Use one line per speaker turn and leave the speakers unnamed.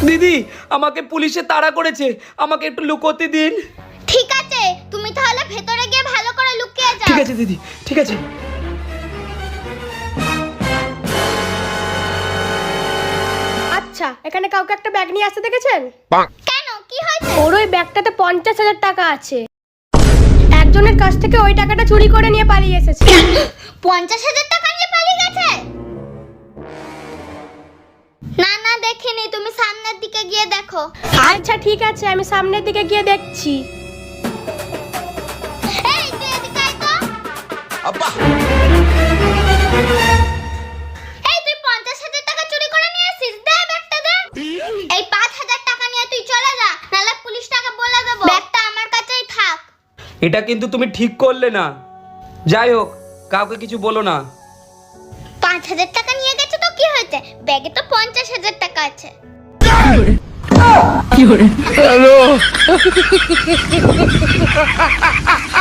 দিদি আমাকে পুলিশে তাড়া করেছে, আমাকে একটু লুকোতে দিন।
ঠিক আছে, তুমি তাহলে ভেতরে গিয়ে ভালো করে লুকিয়ে যাও।
ঠিক আছে দিদি, ঠিক আছে।
আচ্ছা, এখানে কাউকে একটা ব্যাগ নিয়ে আসতে দেখেছেন?
কেন, কি হয়েছে?
ওর ওই ব্যাগটাতে 50,000 টাকা আছে। একজনের কাছ থেকে ওই টাকাটা চুরি করে নিয়ে পালিয়ে এসেছে।
50,000 টাকা নিয়ে পালিয়ে গেছে? না না, দেখিনি, তুমি সামনের দিকে গিয়ে দেখো।
আচ্ছা ঠিক আছে, আমি সামনের দিকে গিয়ে দেখছি।
এই তুই এদিকে আয় তো।
আব্বা,
এই তুই 50,000 টাকা চুরি করে নিয়ে এসেছিস, দে ব্যাগটা দে। এই 5,000 টাকা নিয়ে তুই চলে যা, নাহলে পুলিশটাকে বলে দেব। ব্যাগটা আমার কাছেই থাক।
এটা কিন্তু তুমি ঠিক করলে না। যাই হোক, কাউকে কিছু বলো না।
5,000 টাকা নিয়ে গেছে তো কি হয়েছে, ব্যাগে তো 50,000 টাকা আছে।
হ্যালো।